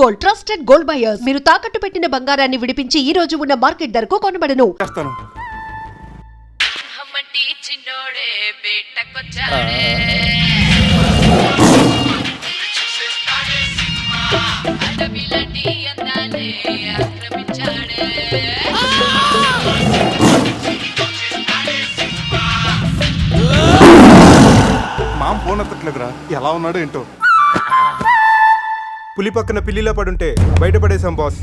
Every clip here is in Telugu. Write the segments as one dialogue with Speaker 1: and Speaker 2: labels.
Speaker 1: Gold, trusted gold buyers. మీరు తాకట్టు పెట్టిన బంగారాన్ని విడిపించి ఈ రోజు ఉన్న మార్కెట్ ధరకు కొనబడను.
Speaker 2: మామ ఫోన్ ఎత్తట్లేదురా, ఎలా ఉన్నాడు ఏంటో.
Speaker 3: పులి పక్కన పిల్లిలా పడుంటే బయటపడేశాం బాస్.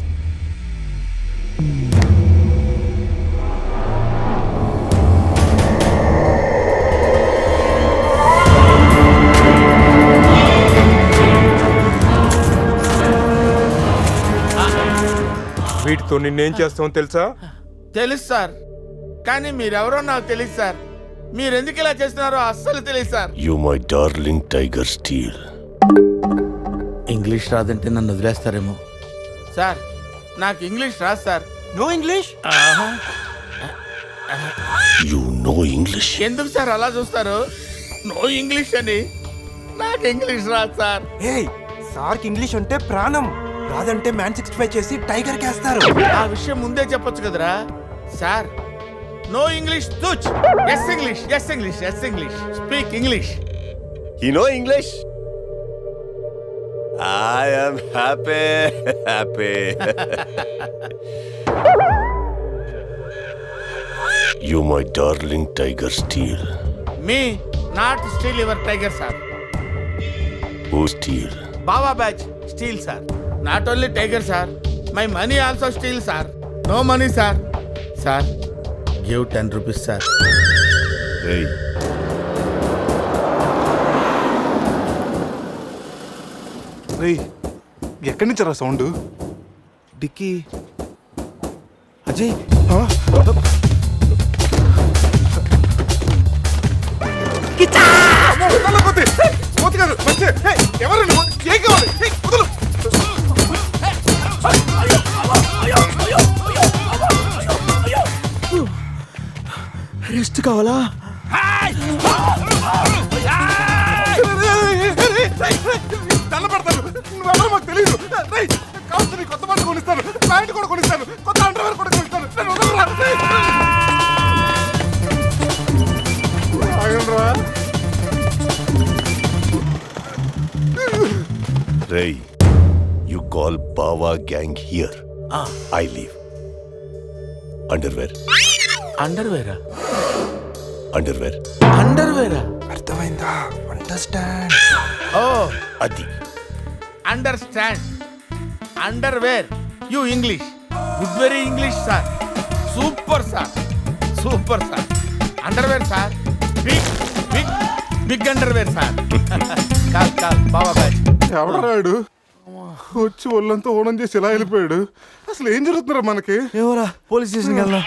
Speaker 3: వీటితో నిన్నేం చేస్తామో తెలుసా?
Speaker 4: తెలుసు సార్, కానీ మీరెవరో నాకు తెలియదు సార్. మీరెందుకు ఇలా చేస్తున్నారో అస్సలు తెలియదు సార్.
Speaker 5: You my darling Tiger Steel.
Speaker 4: English రాదంటే నన్ను వదిలేస్తారేమో సార్. నాకు ఇంగ్లీష్ రాదు సార్.
Speaker 3: No English?
Speaker 5: You know English?
Speaker 4: ఎందుకు సార్ అలా చూస్తారు? నో ఇంగ్లీష్ అని. నాకు ఇంగ్లీష్ రాదు సార్.
Speaker 3: ఏయ్, సార్కి ఇంగ్లీష్ అంటే ప్రాణం. రాదంటే మ్యాన్ 65 చేసి టైగర్ కేస్తారు.
Speaker 4: ఆ విషయం ముందే చెప్పొచ్చు కదరా సార్. నో ఇంగ్లీష్ తుచ్. Yes English, yes English, yes English. Speak English.
Speaker 5: You know English? I am happy. You my darling Tiger Steel.
Speaker 4: మీ not steal your tiger sir.
Speaker 5: Who steal?
Speaker 4: Baba batch steal sir. Not only tiger sir, my money also steal sir. No money sir. Sir give 10 rupees sir.
Speaker 5: Hey.
Speaker 2: రేయ్, ఎక్కడి నుంచి రా సౌండ్?
Speaker 3: డిక్కీ అజయ్, రెస్ట్ కావాలా?
Speaker 2: దండపడతాను, నువ్వెవరో మాకు తెలియదు. కావచ్చు నీ కొత్త బట్టలు కొనిస్తాను, ప్యాంట్ కూడా కొనిస్తాను, కొత్త అండర్వేర్ కూడా కొనిస్తాను. నన్ను వదలరా. ఆగండ్రా.
Speaker 5: Ray, you call Bawa gang here. I leave. Underwear.
Speaker 4: అండర్వేరా?
Speaker 5: Underwear.
Speaker 4: అండర్వేరా?
Speaker 3: అర్థమైందా? Understand.
Speaker 4: Oh
Speaker 5: Adi.
Speaker 4: Understand. Underwear. You English. Good very English sir. Super sir, super sir. Underwear sir. Big big big underwear sir. Call call Baba batch.
Speaker 2: ఎవడరాడు వచ్చి ఒళ్ళంతా ఓనం చేసి ఇలా వెళ్ళిపోయాడు? అసలు ఏం జరుగుతున్నారా మనకి?
Speaker 3: ఏమోరా, పోలీస్ స్టేషన్కి వెళ్దాం.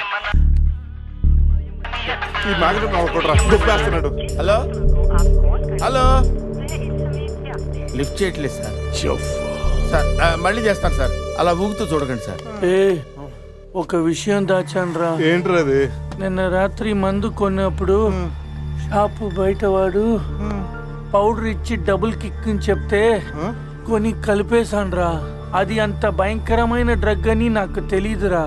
Speaker 2: ఈ మ్యాగ్నెట్ నవ్వకూడరా, దుబ్బేస్తున్నాడు.
Speaker 4: హలో హలో, లిఫ్ట్ చేయట్లేదు సార్. సార్ మళ్ళీ చేస్తాను సార్, అలా ఊగుతూ చూడకండి సార్.
Speaker 6: ఒక విషయం దాచాన్రా.
Speaker 2: ఏంట్రా అది?
Speaker 6: నిన్న రాత్రి మందు కొన్నప్పుడు షాపు బయట వాడు పౌడర్ ఇచ్చి డబుల్ కిక్ అని చెప్తే కొని కలిపేశాన్రా. అది అంత భయంకరమైన డ్రగ్ అని నాకు తెలీదురా.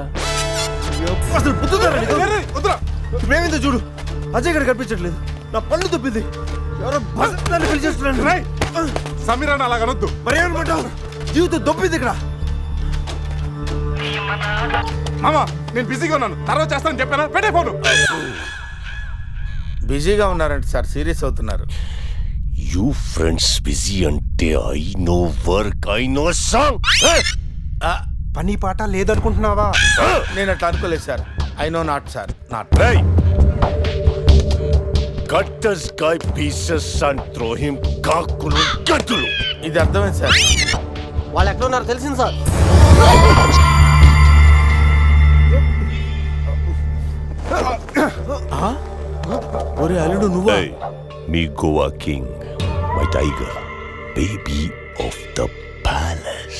Speaker 3: మేమేందో చూడు, అజయ్ గడ కనిపించట్లేదు. నా పళ్ళు తప్పింది. ఎవరో బస్సు పిలిచేస్తున్నాను.
Speaker 2: సమీరాన్ని అలా కనొద్దు.
Speaker 3: మరి ఏమనుకుంటావు? జీవితం దొప్పింది ఇక్కడ.
Speaker 2: మామా, నేను బిజీగా ఉన్నాను, తర్వాత చేస్తానని చెప్పానా? పెట్టే ఫోను.
Speaker 4: బిజీగా ఉన్నారంటే సార్, సీరియస్ అవుతున్నారు.
Speaker 5: You friends busy ante I know work, I know song.
Speaker 3: పని పాట లేదనుకుంటున్నావా?
Speaker 4: నేను అట్లా అనుకోలేదు sir. I no not sir, not.
Speaker 5: Hey. Cut this guy pieces and throw him కాకులు గట్టులు.
Speaker 4: ఇది అర్థమైంది సార్.
Speaker 3: వాళ్ళు ఎక్కడ ఉన్నారో తెలిసింది సార్.
Speaker 4: ఒరే అల్లుడు నువ్వా?
Speaker 5: Hey, me Goa king, my tiger, baby of the palace.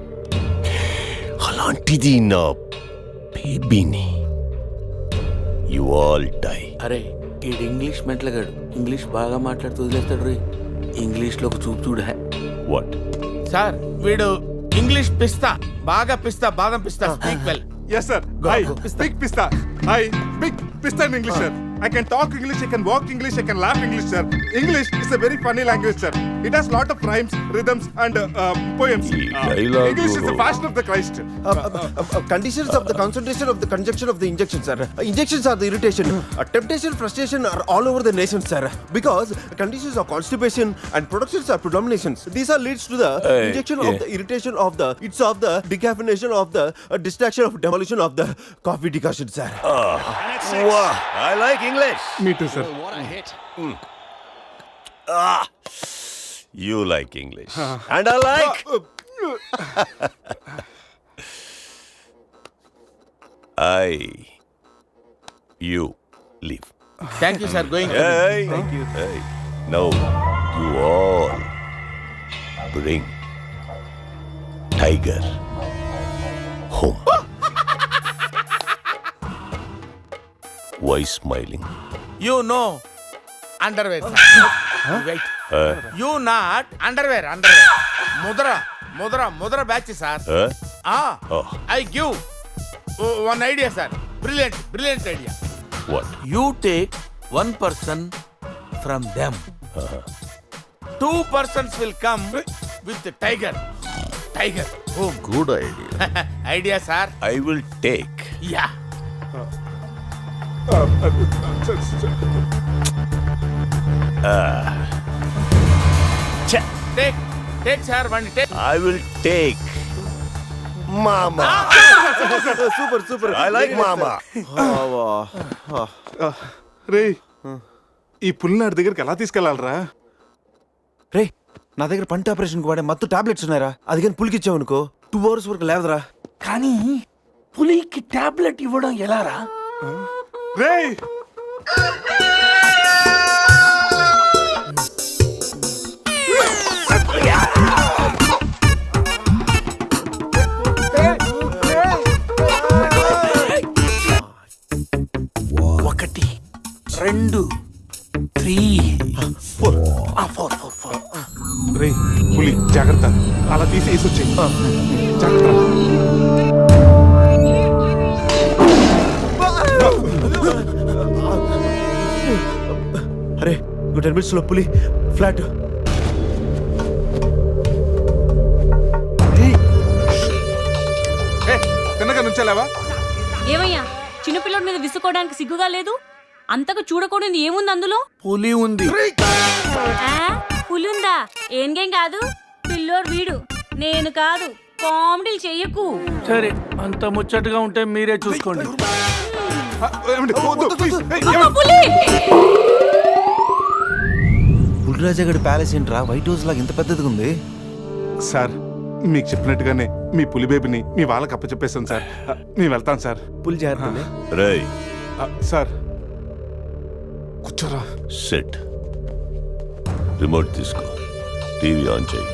Speaker 5: అలాంటిది నా బేబీని. You all die.
Speaker 4: అరే ఈడు ఇంగ్లీష్ మెంట్లగాడు. ఇంగ్లీష్ బాగా మాట్లాడుతూ వదిలేస్తాడు రే. ఇంగ్లీష్లో ఒక చూపు చూడ.
Speaker 5: What?
Speaker 4: సార్ వీడు ఇంగ్లీష్ పిస్తా, బాగా పిస్తా, బాదం పిస్తా. Speak well.
Speaker 2: Yes, sir. I speak pista. I speak pista in English, sir. I can talk English, I can walk English, I can laugh English, sir. English is a very funny language, sir. It has lot of rhymes, rhythms, and poems.
Speaker 5: dialogue
Speaker 2: English is the
Speaker 5: guru.
Speaker 2: fashion of the Christ.
Speaker 3: Conditions of the concentration of the conjunction of the injection, sir. Injections are the irritation. Temptation, frustration are all over the nation, sir. Because conditions of constipation and productions are predominations. These are leads to the injection of the irritation of the, it's of the decaffeination of the distraction of demolition of the coffee decoction, sir.
Speaker 5: Wow, I like English.
Speaker 2: Me too, sir.
Speaker 5: You like English. And I like. You leave.
Speaker 4: Thank you sir. Going.
Speaker 5: Hey. Thank you. Hey. Now, you all bring Tiger home. Why smiling?
Speaker 4: You know underwear, sir. Wait. You not underwear. Mudra batch, sir.
Speaker 5: Oh.
Speaker 4: I give one idea, sir. Brilliant idea.
Speaker 5: What?
Speaker 4: You take one person from them. 2 persons will come with the tiger. Home.
Speaker 5: Good idea.
Speaker 4: Idea, sir.
Speaker 5: I will take.
Speaker 4: Yeah. Take, sir. One take.
Speaker 5: I will take. Mama.
Speaker 3: Super.
Speaker 5: I like Mama.
Speaker 2: రే ఈ పుల్లినాడి దగ్గరికి ఎలా తీసుకెళ్లాలరా?
Speaker 3: రే నా దగ్గర పంట ఆపరేషన్ కు వాడే మత్తు టాబ్లెట్స్ ఉన్నారా? అది కానీ పులికిచ్చావు అనుకో 2 hours వరకు లేవదరా.
Speaker 6: కానీ పులికి టాబ్లెట్ ఇవ్వడం ఎలారా?
Speaker 2: రే
Speaker 6: ఒకటి, 2, 3, 4.
Speaker 2: రే పులి జాగ్రత్త, అలా తీసి వేసొచ్చాయి. జాగ్రత్త.
Speaker 3: అరే 10 minutes లో పులి ఫ్లాట్.
Speaker 2: తిన్నగా నుంచెలావా?
Speaker 7: ఏమయ్యా చిన్నపిల్లడి మీద విసుకోవడానికి సిగ్గుగా లేదు? అంతకు చూడకూడదు ఏముంది అందులో?
Speaker 6: పులి ఉంది.
Speaker 7: ఆ, పులి ఉందా? ఏం కాదు, పిల్లోడు వీడు, నేను కాదు. కామెడీలు చెయ్యకు.
Speaker 6: సరే, అంత ముచ్చటగా ఉంటే మీరే చూసుకోండి.
Speaker 2: ఏమండి? వద్దు, please. ఏయ్,
Speaker 7: అమ్మ,
Speaker 2: ఏమండి?
Speaker 7: పులి!
Speaker 3: పులిరాజగడ్ ప్యాలెస్ ఏంట్రా వైట్ హౌస్ లాగా ఇంత పెద్దదిగా ఉంది?
Speaker 2: సార్ మీకు చెప్పినట్టుగానే మీ పులి బేబీని మీ వాళ్ళకి అప్పచెప్పేస్తాను సార్. నేను వెళ్తాను సార్.
Speaker 3: పులి జాగ్రత్త.
Speaker 5: Ray,
Speaker 2: సార్ కూర్చోరా.
Speaker 5: sit. Remote తీసుకో. టీవీ ఆన్ చేయి.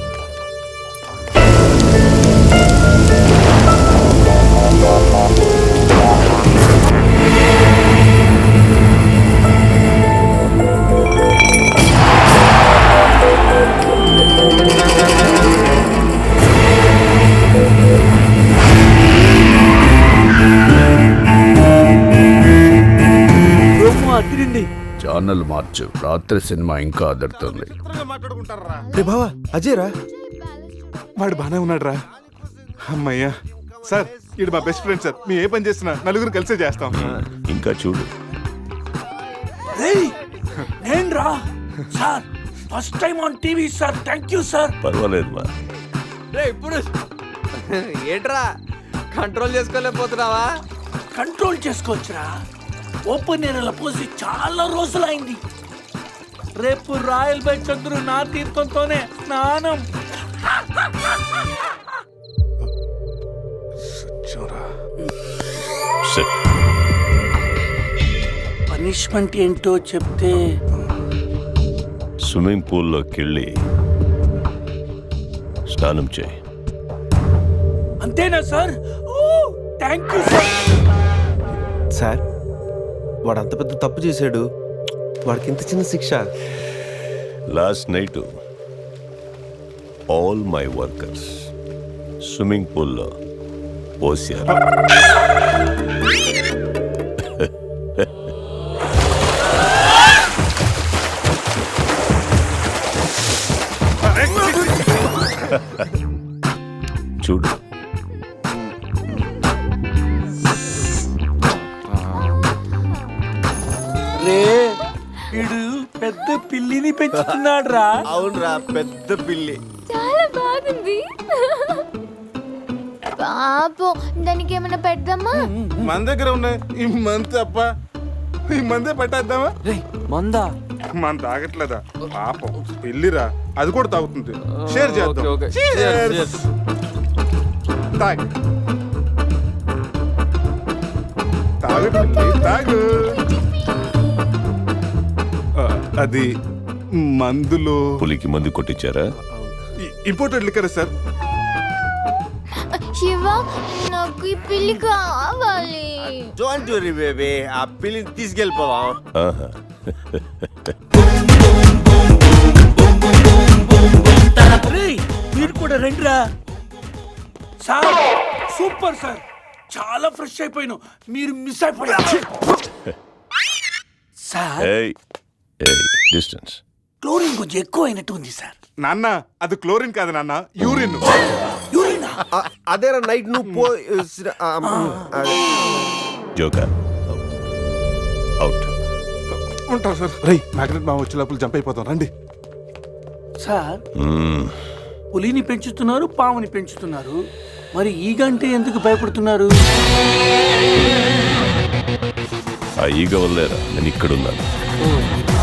Speaker 8: ఛానల్ మార్చు. రాత్రి సినిమా ఇంకా అదరుతుంది.
Speaker 2: మాట్లాడుకుంటారా?
Speaker 3: రే బావా అజయ్ రా.
Speaker 2: వాడు బానే ఉన్నాడు రా. అమ్మయ్యా. సార్ ఇది మా బెస్ట్ ఫ్రెండ్ సార్. మేము ఏ పని చేసినా నలుగురు కలిసే చేస్తాం.
Speaker 5: ఇంకా చూడు.
Speaker 6: నేను రా sir, first time on TV sir. Thank you sir.
Speaker 5: పర్వాలేదు మా.
Speaker 9: ఇప్పుడు ఏంట్రా కంట్రోల్ చేసుకోలేకపోతున్నావా?
Speaker 6: కంట్రోల్ చేసుకోవచ్చురా. ఓపెన్ ఏరియాలో పోసి చాలా రోజులైంది. రేపు రాయల్ బై చంద్రు నా తీర్థంతోనే స్నానం.
Speaker 5: Sit.
Speaker 6: పనిష్మెంట్ ఏంటో చెప్తే.
Speaker 5: స్విమ్మింగ్ పూల్లోకి వెళ్ళి స్నానం చేయి.
Speaker 6: అంతేనా sir? Thank you sir.
Speaker 3: Sir వాడు అంత పెద్ద తప్పు చేశాడు, వాడికి ఇంత చిన్న శిక్ష.
Speaker 5: Last night all my workers swimming పూల్లో పోసారు. చూడు,
Speaker 6: రే వీడు పెద్ద పిల్లిని పెంచుతున్నాడు రా.
Speaker 3: అవునరా, పెద్ద పిల్లి.
Speaker 10: చాలా బాగుంది. పాపం దానికి ఏమైనా పెడదామా?
Speaker 2: మన దగ్గర ఉన్నాయి ఈ మంత్ తప్ప, ఈ మందే పట్టేద్దామా?
Speaker 9: మందా?
Speaker 2: మన తాగట్లేదా పాపం, పెళ్ళిరా, అది కూడా తాగుతుంది. షేర్ చేద్దాం.
Speaker 9: Okay, okay.
Speaker 2: Cheers.
Speaker 9: Cheers.
Speaker 2: తాగు తాగు పిల్లి, తాగు. అది మందులో
Speaker 5: పులికి మందు కొట్టించారా?
Speaker 2: Imported liquor sir.
Speaker 10: శివ, నాకు ఈ పిల్లి కావాలి.
Speaker 3: డోంట్ వరీ బేబీ, ఆ పిల్లిని తీసుకెళ్ళిపోవా.
Speaker 5: ఆహా.
Speaker 6: రేయ్, మీరు కూడా రండిరా. సార్ సూపర్ సార్, చాలా ఫ్రెష్ అయిపోయినావు. మీరు మిస్ అయిపోయారు సార్.
Speaker 5: ఏయ్ ఏయ్, డిస్టెన్స్.
Speaker 6: క్లోరిన్ కొంచెం ఎక్కువ అయినట్టు ఉంది సార్.
Speaker 2: నాన్న అది క్లోరిన్ కాదు నాన్న, యూరిన్.
Speaker 6: యూరినా?
Speaker 3: అదేరా నైట్ నువ్వు పో.
Speaker 5: Joker out.
Speaker 2: ఉంటారు సార్. రై మ్యాగ్నెట్ మా వచ్చే లోపల జంప్ అయిపోతాం, రండి.
Speaker 6: సార్ పులిని పెంచుతున్నారు, పాముని పెంచుతున్నారు, మరి ఈగంటే ఎందుకు భయపడుతున్నారు?
Speaker 5: ఆ ఈగ వల్లేరా నేను ఇక్కడున్నాను.